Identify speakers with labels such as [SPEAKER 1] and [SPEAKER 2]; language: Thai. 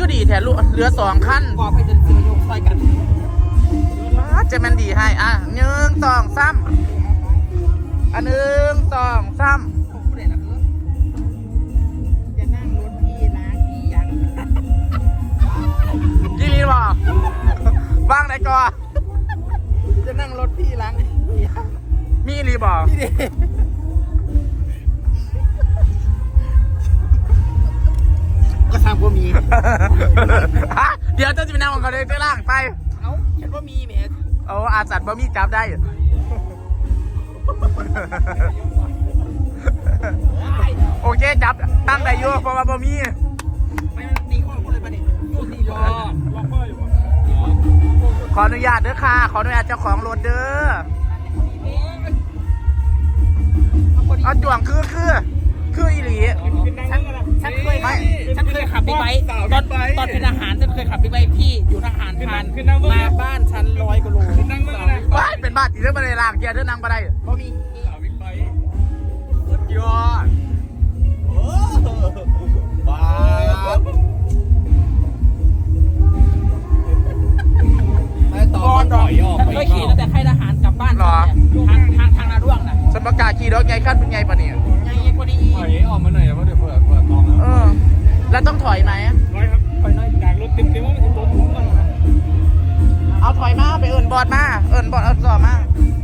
[SPEAKER 1] ก็ดีแถลูกเหลือ2 ขั้น
[SPEAKER 2] กอไปจะซื้อยกซอยกัน
[SPEAKER 1] จะมันดีให้อ่ะ1 2 3อัน1 2 3
[SPEAKER 2] ผู้ใดล่ะจะนั่งรถพี่ล้างพี่ยัง
[SPEAKER 1] ยี่ลีบอกว่างไหนก่อน
[SPEAKER 2] จะนั่งรถพี่ล้างพี่ยัง
[SPEAKER 1] มีลีบอก
[SPEAKER 2] พี่ดิก็ทำว่ามี
[SPEAKER 1] เดี๋ยวจะไปนั่งของเขาเลยจะล่างไป
[SPEAKER 2] เอ้าฉันว่ามีแหม
[SPEAKER 1] เอาอาสัตว์บะมี่จับได้ โอเคจับตั้งได้อยู่เพราะว่าบะมี่
[SPEAKER 2] ไม่ตีข้อพูดเลยป่ะนี่ตีรอล็อกข้ออยู่ป่ะ
[SPEAKER 1] ขออนุญาตเด้อค่ะขออนุญาตเจ้าของรถเด้อเอาจ่วงคืออีหลี
[SPEAKER 2] ฉันเคยขับบิ๊กไบค์ตอนเป็นอาหารฉันเคยขับบิ๊กไบค์พี่อยู่ทหารผ่านมาบ้านฉัน100 กว่าโล
[SPEAKER 1] ว้ายเป็นบ้านตีเรื่องอะไรล่างเกียร์เรื่องนั่งมาได้
[SPEAKER 2] เพราะมี
[SPEAKER 1] สุดยอด
[SPEAKER 2] บ้าตอนหน่อยฉันเคยขี่ตั้งแต่ค่ายทหารกลับบ้านทางนาด้วงน่ะ
[SPEAKER 1] ฉันประกาศขี่รถไงขั้นเป็นไงปะเนี่ย
[SPEAKER 2] ไงกว่านี้
[SPEAKER 3] ถอยออกมาหน่อยเพราะเดี๋ยวเปิดตองแล้ว
[SPEAKER 1] แล้วต้องถอยไหม
[SPEAKER 3] ร้อยครับถอยหน่อยจากรถเต็มว่ามันจะโดนถุงก่อน
[SPEAKER 1] เอาถอยมาไปเอิญบอดมาเอิญบอดเอาต่อมา